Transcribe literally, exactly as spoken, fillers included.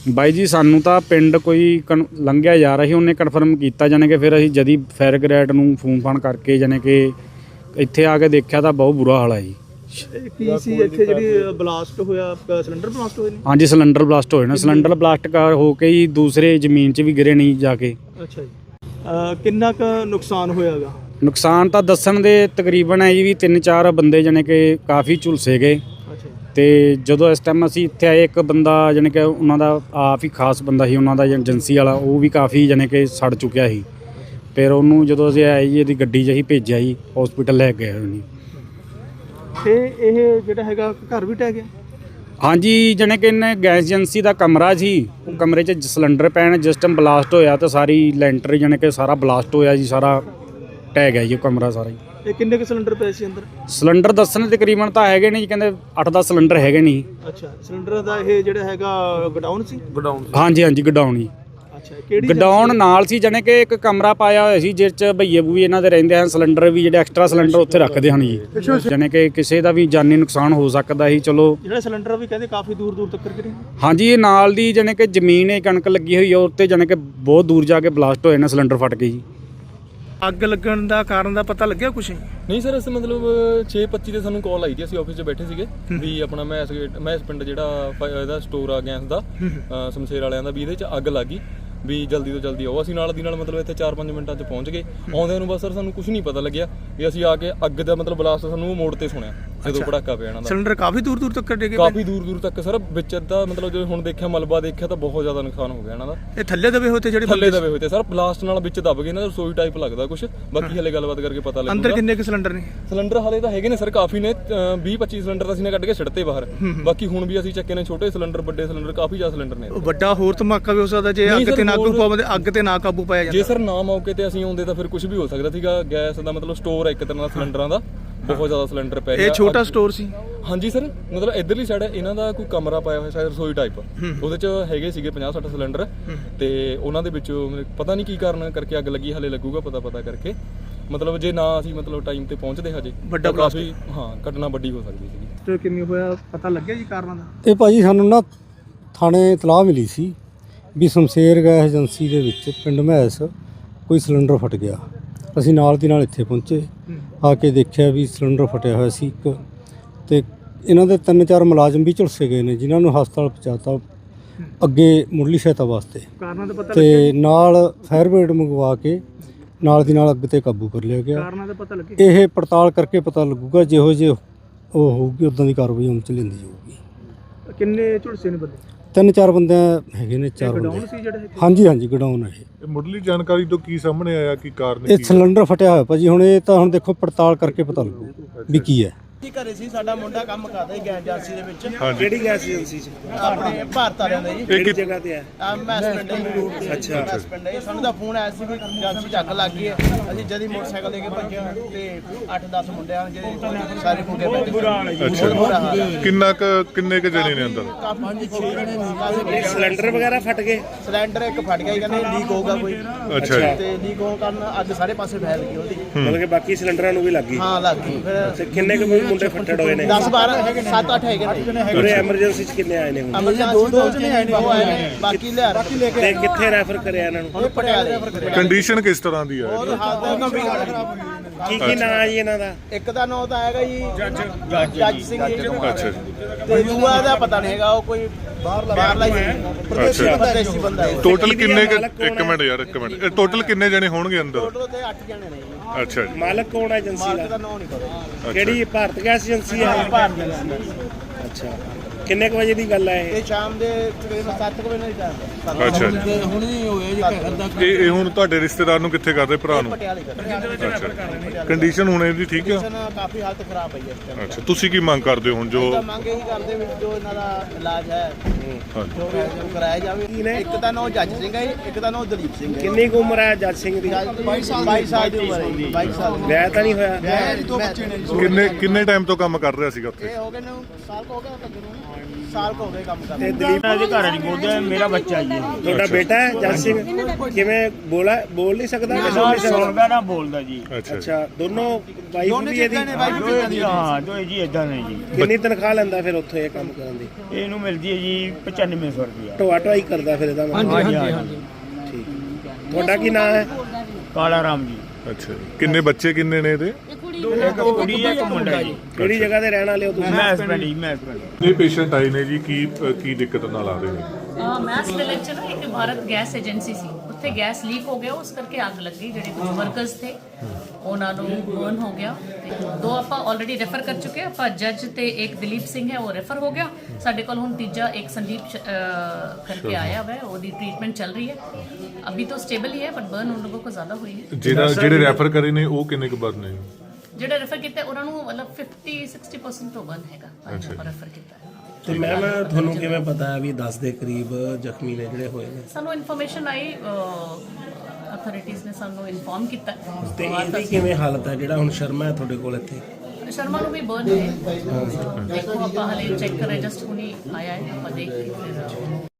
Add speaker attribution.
Speaker 1: ਬਾਈ ਜੀ ਸਾਨੂੰ ਤਾਂ ਪਿੰਡ ਕੋਈ ਕਨ ਲੰਘਿਆ ਜਾ ਰਿਹਾ ਸੀ, ਉਹਨੇ ਕਨਫਰਮ ਕੀਤਾ ਜਾਨੇ ਕਿ ਫਿਰ ਅਸੀਂ ਜਦੀ ਫਾਇਰ ਬ੍ਰਿਗੇਡ ਨੂੰ ਫੋਨ ਫਾਨ ਕਰਕੇ ਜਾਨੇ ਕਿ ਇੱਥੇ ਆ ਕੇ ਦੇਖਿਆ ਤਾਂ ਬਹੁਤ ਬੁਰਾ ਹਾਲ ਹੈ ਜੀ।
Speaker 2: ਕੀ ਸੀ ਇੱਥੇ ਜਿਹੜੀ ਬਲਾਸਟ ਹੋਇਆ, ਸਿਲੰਡਰ ਬਲਾਸਟ ਹੋਏ ਨੇ?
Speaker 1: ਹਾਂਜੀ ਸਿਲੰਡਰ ਬਲਾਸਟ ਹੋਏ ਨਾ, ਸਿਲੰਡਰ ਬਲਾਸਟ ਕਰ ਹੋ ਕੇ ਹੀ ਦੂਸਰੇ ਜ਼ਮੀਨ 'ਚ ਵੀ ਗਿਰੇ ਨਹੀਂ ਜਾ ਕੇ।
Speaker 2: ਅੱਛਾ ਜੀ। ਕਿੰਨਾ ਕੁ ਨੁਕਸਾਨ ਹੋਇਆਗਾ?
Speaker 1: ਨੁਕਸਾਨ ਤਾਂ ਦੱਸਣ ਦੇ ਤਕਰੀਬਨ ਹੈ ਜੀ ਵੀ ਤਿੰਨ ਚਾਰ ਬੰਦੇ ਜਾਨੇ ਕਿ ਕਾਫੀ ਝੁਲਸੇ ਗਏ। ਤੇ ਜਦੋਂ ਇਸ ਟਾਈਮ ਅਸੀਂ ਇੱਥੇ ਆਏ ਇੱਕ ਬੰਦਾ ਜਾਣੀ ਕਿ ਉਹਨਾਂ ਦਾ ਆਪ ਹੀ ਖਾਸ ਬੰਦਾ ਸੀ ਉਹਨਾਂ ਦਾ ਏਜੰਸੀ ਵਾਲਾ, ਉਹ ਵੀ ਕਾਫੀ ਜਾਣੀ ਕਿ ਸੜ ਚੁੱਕਿਆ ਸੀ। ਫਿਰ ਉਹਨੂੰ ਜਦੋਂ ਅਸੀਂ ਆਏ ਜੀ ਇਹਦੀ ਗੱਡੀ 'ਚ ਅਸੀਂ ਭੇਜਿਆ ਜੀ, ਹਸਪੀਟਲ ਲੈ ਕੇ ਗਏ ਉਹਨੂੰ।
Speaker 2: ਤੇ ਇਹ ਜਿਹੜਾ ਹੈਗਾ ਘਰ ਵੀ ਟਹਿ ਗਿਆ?
Speaker 1: ਹਾਂਜੀ ਜਾਣੀ ਕਿ ਇਹਨੇ ਗੈਸ ਏਜੰਸੀ ਦਾ ਕਮਰਾ ਸੀ, ਉਹ ਕਮਰੇ 'ਚ ਸਿਲੰਡਰ ਪੈਣ ਜਿਸ ਟਾਈਮ ਬਲਾਸਟ ਹੋਇਆ ਤਾਂ ਸਾਰੀ ਲੈਂਟਰ ਜਾਣੀ ਕਿ ਸਾਰਾ ਬਲਾਸਟ ਹੋਇਆ ਜੀ, ਸਾਰਾ ਟਹਿ ਗਿਆ ਜੀ ਉਹ ਕਮਰਾ ਸਾਰਾ ਜੀ।
Speaker 2: ਇਹ ਕਿੰਨੇ ਕੁ ਸਿਲੰਡਰ ਪਏ ਸੀ ਅੰਦਰ?
Speaker 1: ਸਿਲੰਡਰ ਦੱਸਣ ਤਕਰੀਬਨ ਤਾਂ ਹੈਗੇ ਨਹੀਂ ਜੀ, ਕਹਿੰਦੇ ਅੱਠ ਦਸ ਸਿਲੰਡਰ ਹੈਗੇ ਨਹੀਂ।
Speaker 2: ਅੱਛਾ, ਸਿਲੰਡਰ ਦਾ ਇਹ ਜਿਹੜਾ ਹੈਗਾ ਗਡਾਊਨ ਸੀ? ਗਡਾਊਨ
Speaker 1: ਹਾਂਜੀ ਹਾਂਜੀ ਗਡਾਊਨ ਜੀ।
Speaker 2: ਅੱਛਾ, ਕਿਹੜੀ
Speaker 1: ਗਡਾਊਨ ਨਾਲ ਸੀ ਜਾਣੀ ਕਿ ਇੱਕ ਕਮਰਾ ਪਾਇਆ ਹੋਇਆ ਸੀ ਜਿਸ 'ਚ ਭਈਏ ਬੂਈ ਇਹਨਾਂ ਦੇ ਰਹਿੰਦੇ ਹਨ, ਸਿਲੰਡਰ ਵੀ ਜਿਹੜੇ ਐਕਸਟਰਾ ਸਿਲੰਡਰ ਉੱਥੇ ਰੱਖਦੇ ਹਨ ਜੀ, ਜਾਣੀ ਕਿ ਕਿਸੇ ਦਾ ਵੀ ਜਾਨੀ ਨੁਕਸਾਨ ਹੋ ਸਕਦਾ ਸੀ। ਚਲੋ
Speaker 2: ਜਿਹੜਾ ਸਿਲੰਡਰ ਵੀ ਕਹਿੰਦੇ ਕਾਫੀ ਦੂਰ ਦੂਰ ਤੱਕ ਗਿਰੇ।
Speaker 1: ਹਾਂਜੀ ਇਹ ਨਾਲ ਦੀ ਜਾਣੀ ਕਿ ਜ਼ਮੀਨ ਹੈ, ਕਣਕ ਲੱਗੀ ਹੋਈ ਹੈ ਉੱਤੇ, ਜਾਣੀ ਕਿ ਬਹੁਤ ਦੂਰ ਜਾ ਕੇ ਬਲਾਸਟ ਹੋਏ ਨੇ, ਸਿਲੰਡਰ ਫਟ ਕੇ ਜੀ।
Speaker 2: ਅੱਗ ਲੱਗਣ ਦਾ ਕਾਰਨ ਦਾ ਪਤਾ ਲੱਗਿਆ ਕੁਛ?
Speaker 3: ਨਹੀਂ ਸਰ, ਅਸੀਂ ਮਤਲਬ ਛੇ ਪੱਚੀ ਤੇ ਸਾਨੂੰ ਕਾਲ ਆਈ ਸੀ, ਅਸੀਂ ਆਫਿਸ 'ਚ ਬੈਠੇ ਸੀਗੇ ਵੀ ਆਪਣਾ ਮੈਸ ਗੇਟ ਮੈਸ ਪਿੰਡ ਜਿਹੜਾ ਇਹਦਾ ਸਟੋਰ ਆ ਗੈਸ ਦਾ ਸਮਸ਼ੇਰ ਵਾਲਿਆਂ ਦਾ, ਵੀ ਇਹਦੇ 'ਚ ਅੱਗ ਲੱਗ ਗਈ ਵੀ ਜਲਦੀ ਤੋਂ ਜਲਦੀ ਆਓ। ਅਸੀਂ ਨਾਲ ਦੀ ਨਾਲ ਮਤਲਬ ਇੱਥੇ ਚਾਰ ਪੰਜ ਮਿੰਟਾਂ 'ਚ ਪਹੁੰਚ ਗਏ। ਆਉਂਦਿਆਂ ਨੂੰ ਬਸ ਸਰ ਸਾਨੂੰ ਕੁਝ ਨਹੀਂ ਪਤਾ ਲੱਗਿਆ ਵੀ ਅਸੀਂ ਆ ਕੇ ਅੱਗ ਦਾ ਮਤਲਬ ਬਲਾਸਟ ਸਾਨੂੰ ਮੋੜ ਤੇ ਸੁਣਿਆ ਜਦੋਂ ਪੜਾਕਾ ਪਿਆ ਇਹਨਾਂ ਦਾ।
Speaker 2: ਸਿਲੰਡਰ ਕਾਫੀ ਦੂਰ ਦੂਰ ਤੱਕ ਡਿੱਗੇ?
Speaker 3: ਕਾਫੀ ਦੂਰ ਦੂਰ ਤੱਕ ਸਰ, ਵਿੱਚ ਦਾ ਮਤਲਬ ਜਦੋਂ ਹੁਣ ਦੇਖਿਆ ਮਲਬਾ ਦੇਖਿਆ ਤਾਂ ਬਹੁਤ ਜ਼ਿਆਦਾ ਨੁਕਸਾਨ ਹੋ ਗਿਆ ਇਹਨਾਂ ਦਾ।
Speaker 2: ਇਹ ਥੱਲੇ ਦਬੇ ਹੋਏ ਤੇ ਜਿਹੜੇ
Speaker 3: ਥੱਲੇ ਦਬੇ ਹੋਏ ਤੇ ਸਰ, ਬਲਾਸਟ ਨਾਲ ਵਿੱਚ ਦਬ ਗਏ ਨਾ, ਰਸੋਈ ਟਾਈਪ ਲੱਗਦਾ ਕੁਝ। ਬਾਕੀ ਹਲੇ ਗੱਲਬਾਤ ਕਰਕੇ ਪਤਾ ਲੱਗੂਗਾ।
Speaker 2: ਅੰਦਰ ਕਿੰਨੇ ਕੁ ਸਿਲੰਡਰ ਨੇ?
Speaker 3: ਸਿਲੰਡਰ ਹਲੇ ਤਾਂ ਹੈਗੇ ਨੇ ਸਰ, ਕਾਫੀ ਨੇ, ਵੀਹ ਪੱਚੀ ਸਿਲੰਡਰ ਤਾਂ ਅਸੀਂ ਨੇ ਕੱਢ ਕੇ ਛੱਡਤੇ ਬਾਹਰ। ਬਾਕੀ ਹੁਣ ਵੀ ਅਸੀਂ ਚੱਕੇ ਨੇ ਛੋਟੇ ਸਿਲੰਡਰ, ਵੱਡੇ ਸਿਲੰਡਰ, ਕਾਫੀ ਜ਼ਿਆਦਾ ਸਿਲੰਡਰ ਨੇ।
Speaker 2: ਵੱਡਾ ਹੋਰ ਧਮਾਕਾ ਵੀ ਹੋ ਸਕਦਾ ਜੇ ਅੱਗ ਤੇ ਨਾ ਕਾਬੂ ਪਾਉਂਦੇ, ਅੱਗ ਤੇ ਨਾ ਕਾਬੂ ਪਾਇਆ ਜਾਂਦਾ।
Speaker 3: ਜੇ ਸਰ ਨਾ ਮੌਕੇ ਤੇ ਅਸੀਂ ਆਉਂਦੇ ਤਾਂ ਫਿਰ ਕੁਝ ਵੀ ਹੋ ਸਕਦਾ ਸੀਗਾ। ਗੈਸ ਦਾ ਮਤਲਬ ਸਟੋਰ ਹੈ ਇੱਕ ਤਰ੍ਹਾਂ ਦਾ ਸਿਲੰਡਰਾਂ ਦਾ, ਬਹੁਤ ਜ਼ਿਆਦਾ ਸਿਲੰਡਰ ਪੈ ਗਿਆ।
Speaker 2: ਇਹ ਛੋਟਾ ਸਟੋਰ ਸੀ?
Speaker 3: ਹਾਂਜੀ ਸਰ, ਮਤਲਬ ਇਧਰਲੀ ਸਾਈਡ ਇਹਨਾਂ ਦਾ ਕੋਈ ਕਮਰਾ ਪਾਇਆ ਹੋਇਆ ਸ਼ਾਇਦ ਰਸੋਈ ਟਾਈਪ, ਉਹਦੇ 'ਚ ਹੈਗੇ ਸੀਗੇ ਪੰਜਾਹ ਸੱਠ ਸਿਲੰਡਰ, ਤੇ ਉਹਨਾਂ ਦੇ ਵਿੱਚੋਂ ਪਤਾ ਨਹੀਂ ਕੀ ਕਾਰਨ ਕਰਕੇ ਅੱਗ ਲੱਗੀ, ਹਲੇ ਲੱਗੂਗਾ ਪਤਾ ਪਤਾ ਕਰਕੇ। ਮਤਲਬ ਜੇ ਨਾ ਅਸੀਂ ਮਤਲਬ ਟਾਈਮ ਤੇ ਪਹੁੰਚਦੇ ਹਜੇ,
Speaker 2: ਵੱਡਾ
Speaker 3: ਕਾਫੀ ਹਾਂ ਘਟਨਾ ਵੱਡੀ ਹੋ ਸਕਦੀ ਸੀਗੀ।
Speaker 2: ਤੇ ਕਿੰਨੀ ਹੋਇਆ ਪਤਾ ਲੱਗਿਆ ਜੀ ਕਾਰਨਾਂ ਦਾ?
Speaker 4: ਇਹ ਭਾਜੀ ਸਾਨੂੰ ਨਾ ਥਾਣੇ ਇਤਲਾਹ ਮਿਲੀ ਸੀ ਵੀ ਸ਼ਮਸ਼ੇਰ ਗੈਸ ਏਜੰਸੀ ਦੇ ਵਿੱਚ ਪਿੰਡ ਮਹਿਸ ਕੋਈ ਸਿਲੰਡਰ ਫਟ ਗਿਆ। ਅਸੀਂ ਨਾਲ ਦੀ ਨਾਲ ਇੱਥੇ ਪਹੁੰਚੇ, ਆ ਕੇ ਦੇਖਿਆ ਵੀ ਸਿਲੰਡਰ ਫਟਿਆ ਹੋਇਆ ਸੀ ਇੱਕ, ਤੇ ਇਹਨਾਂ ਦੇ ਤਿੰਨ ਚਾਰ ਮੁਲਾਜ਼ਮ ਵੀ ਝੁਲਸੇ ਗਏ ਨੇ ਜਿਨ੍ਹਾਂ ਨੂੰ ਹਸਪਤਾਲ ਪਹੁੰਚਾਤਾ ਅੱਗੇ ਮੁੱਢਲੀ ਸਹਾਇਤਾ ਵਾਸਤੇ।
Speaker 2: ਕਾਰਨਾਂ ਦਾ ਪਤਾ
Speaker 4: ਤੇ ਨਾਲ ਫਾਇਰ ਬ੍ਰਿਗੇਡ ਮੰਗਵਾ ਕੇ ਨਾਲ ਦੀ ਨਾਲ ਅੱਗ ਤੇ ਕਾਬੂ ਕਰ ਲਿਆ ਗਿਆ।
Speaker 2: ਕਾਰਨਾਂ ਦਾ ਪਤਾ ਲੱਗੇ?
Speaker 4: ਇਹ ਪੜਤਾਲ ਕਰਕੇ ਪਤਾ ਲੱਗੂਗਾ, ਜਿਹੋ ਜਿਹੇ ਉਹ ਹੋਊਗੀ ਉੱਦਾਂ ਦੀ ਕਾਰਵਾਈ ਅਮਲ 'ਚ ਲੈਂਦੀ ਜਾਊਗੀ।
Speaker 2: ਕਿੰਨੇ ਝੁਲਸੇ ਨੇ ਬੰਦੇ?
Speaker 4: ਤਿੰਨ ਚਾਰ ਬੰਦੇ ਹੈਗੇ ਨੇ, ਚਾਰ ਬੰਦੇ।
Speaker 2: ਗਡਾਊਨ ਸੀ ਜਿਹੜੇ?
Speaker 4: ਹਾਂਜੀ ਹਾਂਜੀ ਗਡਾਊਨ ਹੈ ਇਹ।
Speaker 5: ਮੁੱਢਲੀ ਜਾਣਕਾਰੀ ਤੋਂ ਕੀ ਸਾਹਮਣੇ ਆਇਆ, ਕੀ ਕਾਰਨ?
Speaker 4: ਇਹ ਸਿਲੰਡਰ ਫਟਿਆ ਹੋਇਆ ਭਾਜੀ, ਹੁਣ ਇਹ ਤਾਂ ਹੁਣ ਦੇਖੋ ਪੜਤਾਲ ਕਰਕੇ ਪਤਾ ਲੱਗੂ ਵੀ ਕੀ ਹੈ।
Speaker 6: ਕੀ ਘਰੇ ਸੀ, ਸਾਡਾ ਮੁੰਡਾ ਕੰਮ ਕਰਦਾ ਸੀ ਗੈਸ ਏਜੰਸੀ ਦੇ ਵਿੱਚ।
Speaker 5: ਕਿਹੜੀ
Speaker 6: ਗੈਸ ਏਜੰਸੀ ਚ? ਆਪਣੇ ਭਾਰਤ ਵਾਲਿਆਂ ਦਾ ਜੀ।
Speaker 5: ਕਿਹੜੀ
Speaker 6: ਜਗ੍ਹਾ ਤੇ ਹੈ? ਆ ਮੈਸ ਪਿੰਡ ਹੈ। ਅੱਛਾ, ਮੈਸ ਪਿੰਡ ਹੈ। ਸਾਨੂੰ ਤਾਂ ਫੋਨ ਆਇਆ ਸੀ ਵੀ ਏਜੰਸੀ ਚ ਅੱਗ ਲੱਗ ਗਈ ਹੈ। ਅਸੀਂ ਜਦੀ ਮੋਟਰਸਾਈਕਲ ਲੈ ਕੇ ਭੱਜੇ ਤੇ ਅੱਠ ਦਸ ਮੁੰਡੇ ਆ ਜਿਹੜੇ ਸਾਰੇ ਫੁੱਕੇ ਬੈਠੇ।
Speaker 5: ਅੱਛਾ, ਕਿੰਨਾ ਕੁ ਕਿੰਨੇ ਕੁ ਜਣੇ ਨੇ ਅੰਦਰ?
Speaker 6: ਕਾਫੀ ਛੇ ਜਣੇ ਨੇ। ਸਿਲੰਡਰ ਵਗੈਰਾ ਫਟ ਗਏ? ਸਿਲੰਡਰ ਇੱਕ ਫਟ ਗਿਆ, ਕਹਿੰਦੇ ਲੀਕ ਹੋਊਗਾ ਕੋਈ।
Speaker 5: ਅੱਛਾ ਜੀ।
Speaker 6: ਤੇ ਲੀਕ ਹੋਣ ਕਾਰਨ ਅੱਗ ਸਾਰੇ ਪਾਸੇ ਫੈਲ ਗਈ ਉਹਦੀ।
Speaker 7: ਮਤਲਬ ਕਿ ਬਾਕੀ ਸਿਲੰਡਰਾਂ ਨੂੰ ਵੀ ਲੱਗ ਗਈ?
Speaker 6: ਹਾਂ ਲੱਗ ਗਈ। ਫਿਰ
Speaker 7: ਕਿੰਨੇ ਕੁ ਮੁੰਡੇ ਫੱਟੜ ਹੋਏ ਨੇ?
Speaker 6: ਦਸ ਬਾਰਾਂ ਸੱਤ ਅੱਠ ਹੈਗੇ ਨੇ।
Speaker 7: ਪੂਰੇ ਐਮਰਜੈਂਸੀ ਚ ਕਿੰਨੇ ਆਏ ਨੇ ਹੁਣ?
Speaker 6: ਐਮਰਜੈਂਸੀ ਦੋ ਜਣੇ ਆਏ ਨੇ, ਉਹ ਆਏ ਨੇ, ਬਾਕੀ ਲਿਆ
Speaker 7: ਤੇ ਕਿੱਥੇ ਰੈਫਰ ਕਰਿਆ ਇਹਨਾਂ ਨੂੰ?
Speaker 6: ਹੁਣ ਪਟਿਆਲੇ।
Speaker 5: ਕੰਡੀਸ਼ਨ ਕਿਸ ਤਰ੍ਹਾਂ ਦੀ ਹੈ?
Speaker 6: ਹੋਰ ਹਾਲਤ ਗੰਭੀਰ।
Speaker 7: ਕੀ ਕੀ ਨਾਂ ਹੈ ਜੀ ਇਹਨਾਂ ਦਾ?
Speaker 6: ਇੱਕ ਦਾ ਨਾਂ ਤਾਂ ਹੈਗਾ ਜੀ ਜੱਜ ਸਿੰਘ ਜੀ,
Speaker 5: ਅੱਛਾ ਜੀ।
Speaker 6: ਤੇ ਦੂਆ ਦਾ ਪਤਾ ਨਹੀਂ ਹੈਗਾ, ਉਹ ਕੋਈ ਬਾਹਰਲਾ ਹੀ ਪ੍ਰਦੇਸ਼ੀ ਪ੍ਰਦੇਸ਼ੀ ਬੰਦਾ ਹੈ।
Speaker 5: ਟੋਟਲ ਕਿੰਨੇ ਕੁ- ਇੱਕ ਮਿੰਟ ਯਾਰ ਇੱਕ ਮਿੰਟ, ਇਹ ਟੋਟਲ ਕਿੰਨੇ ਜਣੇ ਹੋਣਗੇ ਅੰਦਰ?
Speaker 6: ਟੋਟਲ ਤੇ ਅੱਠ ਜਣੇ ਨੇ ਜੀ।
Speaker 5: ਅੱਛਾ ਜੀ।
Speaker 7: ਮਾਲਕ ਕੌਣ ਹੈ ਏਜੰਸੀ
Speaker 6: ਮਾਲਕ ਦਾ
Speaker 7: ਦਾ?
Speaker 6: ਨਾਂ ਨਹੀਂ ਪਤਾ।
Speaker 7: ਕਿਹੜੀ ਭਾਰਤ ਗੈਸ ਏਜੰਸੀ ਹੈ?
Speaker 6: ਭਾਰਤ ਦੀ ਗੱਲ।
Speaker 7: ਅੱਛਾ, ਕਿੰਨੇ ਕੁ ਵਜੇ ਦੀ ਗੱਲ ਹੈ ਇਹ?
Speaker 6: ਇਹ ਸ਼ਾਮ ਦੇ ਤਕਰੀਬਨ ਸੱਤ ਕੁ ਵਜੇ ਦਾ ਟਾਈਮ ਹੈ।
Speaker 5: ਅੱਛਾ ਜੀ।
Speaker 6: ਹੁਣ ਹੀ ਹੋਇਆ ਜੀ ਅੱਧਾ
Speaker 5: ਇਹ ਇਹ ਹੁਣ ਤੁਹਾਡੇ ਰਿਸ਼ਤੇਦਾਰ ਨੂੰ ਕਿੱਥੇ ਕਰਦੇ, ਭਰਾ ਨੂੰ?
Speaker 6: ਪਟਿਆਲੇ ਕਰ।
Speaker 5: ਅੱਛਾ, ਕੰਡੀਸ਼ਨ ਹੁਣ ਇਹਦੀ ਠੀਕ ਆ?
Speaker 6: ਕਾਫੀ ਹਾਲਤ ਖਰਾਬ ਹੈ ਇਸ ਟਾਈਮ।
Speaker 5: ਅੱਛਾ, ਤੁਸੀਂ ਕੀ ਮੰਗ ਕਰਦੇ ਹੋ ਹੁਣ ਜੋ?
Speaker 6: ਤਾਂ ਮੰਗ ਇਹੀ ਕਰਦੇ ਵੀ ਜੋ ਇਹਨਾਂ ਦਾ ਇਲਾਜ ਹੈ ਜੋ ਕਰਾਇਆ ਜਾਵੇ। ਇੱਕ ਦਾ ਨਾਮ ਜੱਜ ਸਿੰਘ ਹੈ, ਇੱਕ ਦਾ ਨਾਮ ਦਲੀਪ ਸਿੰਘ ਹੈ।
Speaker 7: ਕਿੰਨੀ ਕੁ ਉਮਰ ਹੈ ਜੱਜ ਸਿੰਘ ਦੀ?
Speaker 6: ਬਾਈ ਸਾਲ ਦੀ ਉਮਰ ਹੈ ਜੀ। ਬਾਈ ਸਾਲ।
Speaker 7: ਵਿਆਹ ਤਾਂ ਨਹੀਂ ਹੋਇਆ?
Speaker 6: ਵਿਆਹ ਦੋ ਬੱਚੇ ਨੇ।
Speaker 5: ਕਿੰਨੇ ਕਿੰਨੇ ਟਾਈਮ ਤੋਂ ਕੰਮ ਕਰ ਰਿਹਾ ਸੀਗਾ ਉੱਥੇ?
Speaker 6: ਇਹ ਹੋ ਗਏ ਨੇ ਸਾਲ ਕੋ ਹੋ ਗਿਆ ਤੱਕ ਨੂੰ। ਸਾਲ ਕੁ ਹੋ ਗਏ ਕੰਮ ਕਰਦੇ
Speaker 7: ਤੇ ਦਲੀਪ
Speaker 8: ਦੇ ਘਰ ਨਹੀਂ ਬੋਲਦਾ ਮੇਰਾ ਬੱਚਾ ਜੀ
Speaker 7: ਤੁਹਾਡਾ ਬੇਟਾ ਹੈ ਜੱਜ ਸਿੰਘ ਕਿਵੇਂ ਬੋਲਾ ਬੋਲ ਨਹੀਂ ਸਕਦਾ ਕਿ ਸੁਣ ਨਹੀਂ ਸਕਦਾ
Speaker 8: ਸੁਣਦਾ ਨਾ ਬੋਲਦਾ ਜੀ
Speaker 5: ਅੱਛਾ ਜੀ।
Speaker 7: ਅੱਛਾ ਦੋਨੋਂ ਵਾਈਫ ਵੀ ਇਹਦੀ
Speaker 8: ਦੋਏ ਹਾਂ ਦੋਏ ਜੀ ਇਦਾਂ ਨੇ ਜੀ
Speaker 7: ਕਿੰਨੀ ਤਨਖਾਹ ਲੈਂਦਾ ਫਿਰ ਉੱਥੇ ਇਹ ਕੰਮ ਕਰਨ ਦੀ
Speaker 8: ਇਹਨੂੰ ਮਿਲਦੀ ਹੈ ਜੀ ਪਚਾਨਵੇਂ ਸੌ ਰੁਪਇਆ
Speaker 7: ਢੋਆ ਢੋਆਈ ਕਰਦਾ ਫਿਰ ਇਹਦਾ ਮਤਲਬ
Speaker 8: ਹਾਂਜੀ ਹਾਂਜੀ
Speaker 7: ਠੀਕ ਤੁਹਾਡਾ ਕੀ ਨਾਮ ਹੈ
Speaker 8: ਕਾਲਾ ਰਾਮ ਜੀ
Speaker 5: ਅੱਛਾ ਜੀ। ਕਿੰਨੇ ਬੱਚੇ ਕਿੰਨੇ ਨੇ ਇਹਦੇ?
Speaker 8: ਇੱਕ ਕੁੜੀ ਹੈ ਇੱਕ ਮੁੰਡਾ ਜੀ
Speaker 7: ਕਿਹੜੀ ਜਗ੍ਹਾ ਤੇ ਰਹਿਣ ਵਾਲੇ ਹੋ ਤੁਸੀਂ
Speaker 8: ਮੈਂ ਹਸਬੈਂਡ ਜੀ ਮੈਂ ਹਸਬੈਂਡ
Speaker 5: ਇਹ ਪੇਸ਼ੈਂਟ ਆਏ ਨੇ ਜੀ, ਕੀ ਕੀ ਦਿੱਕਤ ਨਾਲ ਆ ਰਹੇ ਨੇ?
Speaker 9: ਮੈਸ ਵਿਲੇਜ 'ਚ ਨਾ ਇੱਕ ਭਾਰਤ ਗੈਸ ਏਜੰਸੀ ਸੀ, ਉੱਥੇ ਗੈਸ ਲੀਕ ਹੋ ਗਿਆ, ਉਸ ਕਰਕੇ ਅੱਗ ਲੱਗ ਗਈ। ਜਿਹੜੇ ਕੁਝ ਵਰਕਰਸ ਥੇ ਉਹਨਾਂ ਨੂੰ ਬਰਨ ਹੋ ਗਿਆ। ਤੇ ਦੋ ਆਪਾਂ ਆਲਰੇਡੀ ਰੈਫਰ ਕਰ ਚੁੱਕੇ ਹਾਂ। ਆਪਾਂ ਜੱਜ ਤੇ ਇੱਕ ਦਲੀਪ ਸਿੰਘ ਹੈ, ਉਹ ਰੈਫਰ ਹੋ ਗਿਆ। ਸਾਡੇ ਕੋਲ ਹੁਣ ਤੀਜਾ ਇੱਕ ਸੰਦੀਪ ਅਹ, ਕਰਕੇ ਆਇਆ ਹੋਇਆ, ਉਹਦੀ ਟ੍ਰੀਟਮੈਂਟ ਚੱਲ ਰਹੀ ਹੈ। ਅਭੀ ਤਾਂ ਸਟੇਬਲ ਹੀ ਹੈ, ਬਟ ਬਰਨ ਉਨ ਲੋਗੋਂ ਕੋ ਜ਼ਿਆਦਾ ਹੋਈ ਹੈ।
Speaker 5: ਜਿਹੜਾ ਜਿਹੜੇ ਰੈਫਰ ਕਰੇ ਨੇ ਉਹ ਕਿੰਨੇ ਕੁ ਬਰਨ ਨੇ?
Speaker 9: ਜਿਹੜਾ ਰੈਫਰ ਕੀਤਾ ਉਹਨਾਂ ਨੂੰ ਮਤਲਬ ਫਿਫਟੀ ਸਿਕਸਟੀ ਪਰਸੈਂਟ ਤੋਂ ਬਰਨ ਹੈਗਾ, ਆਪਾਂ ਰੈਫਰ ਕੀਤਾ ਹੈ।
Speaker 7: ਤੇ ਮੈਮ ਤੁਹਾਨੂੰ ਕਿਵੇਂ ਪਤਾ ਹੈ ਵੀ ਦਸ ਦੇ ਕਰੀਬ ਜ਼ਖਮੀ ਨੇ ਜਿਹੜੇ ਹੋਏ ਨੇ?
Speaker 9: ਸਾਨੂੰ ਇਨਫੋਰਮੇਸ਼ਨ ਆਈ, ਅਥਾਰਟੀਜ਼ ਨੇ ਸਾਨੂੰ ਇਨਫੋਰਮ ਕੀਤਾ।
Speaker 7: ਤੇ ਇਹਦੀ ਕਿਵੇਂ ਹਾਲਤ ਹੈ ਜਿਹੜਾ ਹੁਣ ਸ਼ਰਮਾ ਹੈ ਤੁਹਾਡੇ ਕੋਲ ਇੱਥੇ?
Speaker 9: ਸ਼ਰਮਾ ਨੂੰ ਵੀ ਬਰਨ ਹੈ। ਦੇਖੋ ਆਪਾਂ ਹਲੇ ਚੈੱਕ ਕਰ ਰਹੇ, ਜਸਟ ਹੁਣੀ ਆਇਆ ਹੈ, ਆਪਾਂ ਦੇਖ ਕੇ ਫਿਰ